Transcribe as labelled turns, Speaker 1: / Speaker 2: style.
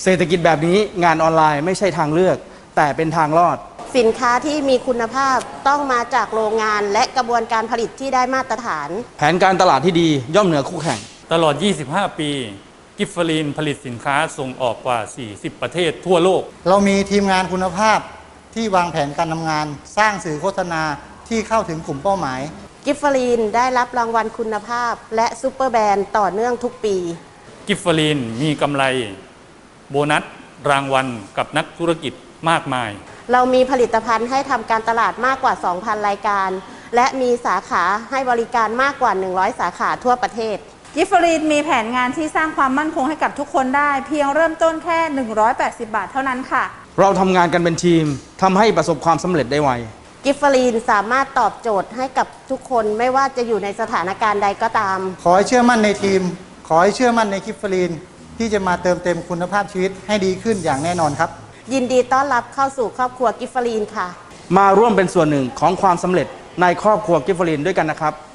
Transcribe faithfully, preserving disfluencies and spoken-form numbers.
Speaker 1: เศรษฐกิจแบบนี้งานออนไลน์ไม่ใช่ทางเลือกแต่เป็นทางรอด
Speaker 2: สินค้าที่มีคุณภาพต้องมาจากโรงงานและกระบวนการผลิตที่ได้มาตรฐาน
Speaker 1: แผนการตลาดที่ดีย่อมเหนือคู่แข่ง
Speaker 3: ตลอดยี่สิบห้าปีกิฟฟลีนผลิตสินค้าส่งออกกว่าสี่สิบประเทศทั่วโลก
Speaker 4: เรามีทีมงานคุณภาพที่วางแผนการทำงานสร้างสื่อโฆษณาที่เข้าถึงกลุ่มเป้าหมาย
Speaker 2: กิฟฟลีนได้รับรางวัลคุณภาพและซูเปอร์แบรนด์ต่อเนื่องทุกปี
Speaker 3: กิฟฟลีนมีกำไรโบนัสรางวัลกับนักธุรกิจมากมาย
Speaker 2: เรามีผลิตภัณฑ์ให้ทำการตลาดมากกว่า สองพัน รายการและมีสาขาให้บริการมากกว่าหนึ่งร้อยสาขาทั่วประเทศ
Speaker 5: กิฟฟลีนมีแผนงานที่สร้างความมั่นคงให้กับทุกคนได้เพียงเริ่มต้นแค่หนึ่งร้อยแปดสิบบาทเท่านั้นค่ะ
Speaker 1: เราทำงานกันเป็นทีมทำให้ประสบความสำเร็จได้ไว
Speaker 2: กิฟฟลีนสามารถตอบโจทย์ให้กับทุกคนไม่ว่าจะอยู่ในสถานการณ์ใดก็ตาม
Speaker 4: ขอให้เชื่อมั่นในทีมขอให้เชื่อมั่นในกิฟฟลีนที่จะมาเติมเต็มคุณภาพชีวิตให้ดีขึ้นอย่างแน่นอนครับ
Speaker 2: ยินดีต้อนรับเข้าสู่ครอบครัวกิฟฟลีนค่ะ
Speaker 1: มาร่วมเป็นส่วนหนึ่งของความสำเร็จในครอบครัวกิฟฟลีนด้วยกันนะครับ